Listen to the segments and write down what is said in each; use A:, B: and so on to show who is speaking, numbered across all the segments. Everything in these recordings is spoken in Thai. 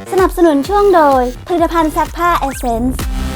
A: สนับสนุนช่วงโดยผลิตภัณฑ์ซักผ้าเอเซนส์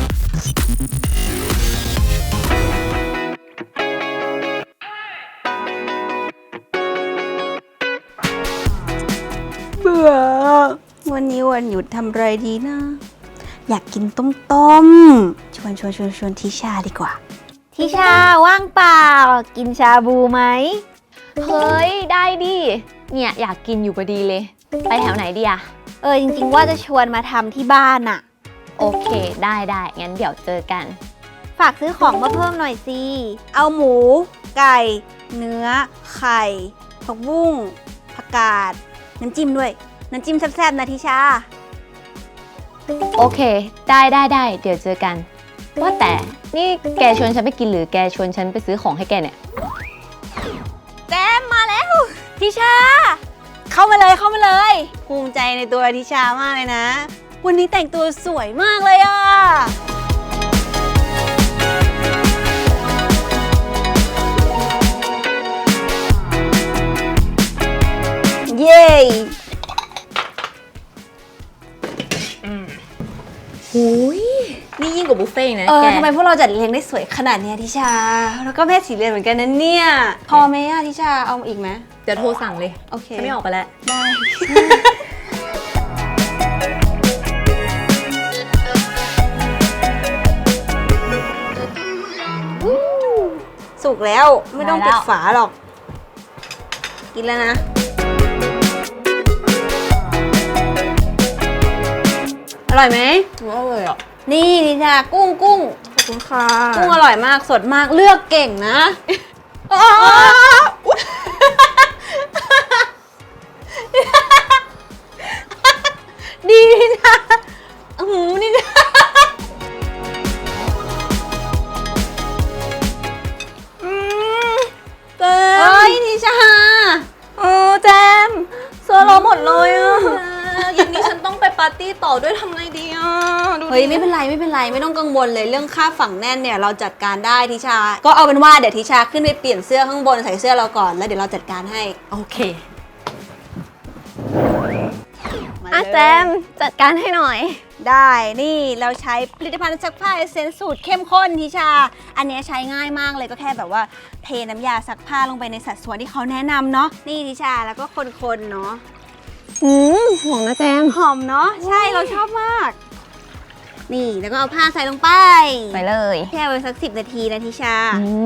A: เบื่อวันนี้วันหยุดทำอะไรดีนะ อยากกินต้มชวนทิชาดีกว่าทิชาว่างเปล่ากินชาบูไหม
B: เฮ้ยได้ดิเนี่ยอยากกินอยู่พอดีเลยไปแถวไหนดีอะ
A: จริงๆว่าจะชวนมาทำที่บ้านอะ
B: โอเคได้งั้นเดี๋ยวเจอกัน
A: ฝากซื้อของมาเพิ่มหน่อยสิเอาหมูไก่เนื้อไข่ผักบุ้งผักกาดน้ำจิ้มด้วยน้ำจิ้มแซ่บๆนะทิชา
B: โอเคได้เดี๋ยวเจอกันว่าแต่นี่แกชวนฉันไปกินหรือแกชวนฉันไปซื้อของให้แกเนี่ย
A: แจมมาแล้วทิชาเข้ามาเลยภูมิใจในตัวทิชามากเลยนะวันนี้แต่งตัวสวยมากเลยอ่ะเย้
B: หูยนี่ยิ่งกว่าบุฟเฟ่ต์นะแก
A: ทำไมพวกเราจัดเลี้ยงได้สวยขนาดนี้ทิชาแล้วก็แม่สีเรือนเหมือนกันนะเนี่ยพอไหมอะทิชาเอาอีกไหม
B: เดี๋ยวโทรสั่งเลย
A: โอเค
B: ไม่ออกไปแล้ว
A: ได้สุกแล้วไม่ต้องปิดฝาหรอกกินแล้วนะอร่อยไหม
B: อร่อยอ่ะ
A: นี่ทิชากุ้ง
B: ขอบคุณค่ะ
A: กุ้งอร่อยมากสดมากเลือกเก่งนะดีทิชานี่จ้ะเฮ้ยทิชาแจมเสื้อเราหมดเลยอ่ะ
B: อย่างนี้ฉันต้องไปปาร์ตี้ต่อด้วยทำไงดีอ่ะ
A: เฮ้ยไม่เป็นไรไม่ต้องกังวลเลยเรื่องค่าฝังแน่นเนี่ยเราจัดการได้ทิชาก็เอาเป็นว่าเดี๋ยวทิชาขึ้นไปเปลี่ยนเสื้อข้างบนใส่เสื้อเราก่อนแล้วเดี๋ยวเราจัดการให้
B: โอเคแจมจัดการให้หน่อย
A: ได้นี่เราใช้ผลิตภัณฑ์ซักผ้าเอเซนส์สูตรเข้มข้นทิชาอันนี้ใช้ง่ายมากเลยก็แค่แบบว่าเทน้ำยาซักผ้าลงไปในสัดส่วนที่เขาแนะนำเนาะนี่ทิชาแล้วก็คนๆเนาะ
B: หอมนะแจม
A: หอมเนาะใช่เราชอบมากนี่แล้วก็เอาผ้าใส่ลงไป
B: เลย
A: แช่ไว้สัก10 นาทีนะทิชา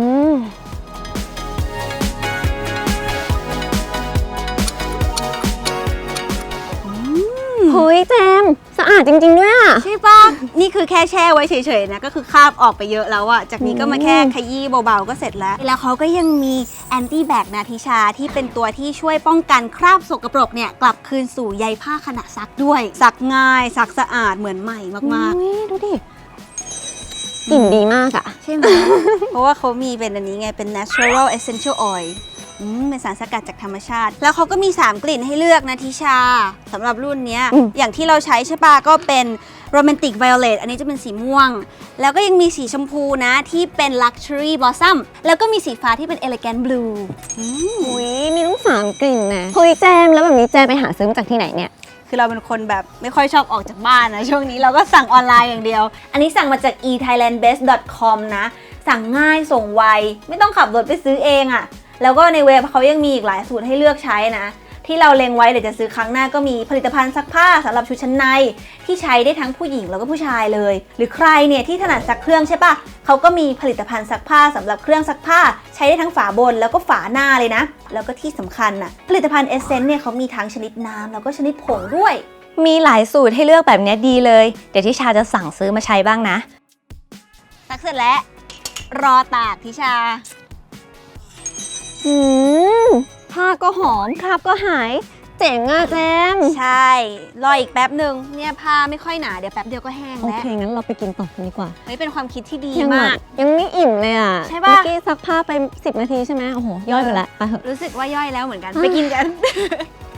B: เฮ้ยแจมสะอาดจริงๆด้วยอ่ะ
A: ใช่ปะนี่คือแค่แช่ไว้เฉยๆนะก็คือคราบออกไปเยอะแล้วอะจากนี้ก็มาแค่ขยี้เบาๆก็เสร็จแล้วเขาก็ยังมีแอนตี้แบคนะทิชาที่เป็นตัวที่ช่วยป้องกันคราบสกปรกเนี่ยกลับคืนสู่ใยผ้าขณะซักด้วยซักง่ายซักสะอาดเหมือนใหม่มาก
B: ๆดูดิกลิ่นดีมากอะ
A: ใช่ไหม เพราะว่าเขามีเป็นอันนี้ไงเป็น natural essential oilเป็นสารสกัดจากธรรมชาติแล้วเขาก็มี3 กลิ่นให้เลือกนะทิชาสำหรับรุ่นนี้อย่างที่เราใช้ใช่ปะก็เป็น romantic violet อันนี้จะเป็นสีม่วงแล้วก็ยังมีสีชมพูนะที่เป็น luxury blossom แล้วก็มีสีฟ้าที่เป็น elegant blue
B: มีทั้ง3 กลิ่นนะเฮ้ยแจมแล้วแบบนี้แจมไปหาซื้อมาจากที่ไหนเนี่ย
A: คือเราเป็นคนแบบไม่ค่อยชอบออกจากบ้านนะช่วงนี้เราก็สั่งออนไลน์อย่างเดียวอันนี้สั่งมาจาก ethailandbest.com นะสั่งง่ายส่งไวไม่ต้องขับรถไปซื้อเองอะแล้วก็ในเว็บเขายังมีอีกหลายสูตรให้เลือกใช้นะที่เราเล็งไว้เดี๋ยวจะซื้อครั้งหน้าก็มีผลิตภัณฑ์ซักผ้าสำหรับชุดชั้นในที่ใช้ได้ทั้งผู้หญิงแล้วก็ผู้ชายเลยหรือใครเนี่ยที่ถนัดซักเครื่องใช่ปะเขาก็มีผลิตภัณฑ์ซักผ้าสำหรับเครื่องซักผ้าใช้ได้ทั้งฝาบนแล้วก็ฝาหน้าเลยนะแล้วก็ที่สำคัญน่ะผลิตภัณฑ์เอเซนส์เนี่ยเขามีทั้งชนิดน้ำแล้วก็ชนิดผงด้วย
B: มีหลายสูตรให้เลือกแบบนี้ดีเลยเดี๋ยวทิชาจะสั่งซื้อมาใช้บ้างนะ
A: ซักเสร็จแล้วรอตากทิชา
B: ผ้าก็หอมคราบก็หายเจ๋งอะแจม
A: ใช่รออีกแป๊บหนึ่งเนี่ยผ้าไม่ค่อยหนาเดี๋ยวแป๊บเดียวก็แห้งแล้ว
B: โอเคงั้นเราไปกินต่อกันดีกว่า
A: เฮ้ยเป็นความคิดที่ดีมาก
B: ยังไม่อิ่มเลยอะ
A: ใช่ป่ะ
B: เมื่อกี้ซักผ้าไป10 นาทีใช่ไหมโอ้โหย่อยไปแล้วไปเถอะ
A: รู้สึกว่าย่อยแล้วเหมือนกันไปกินกัน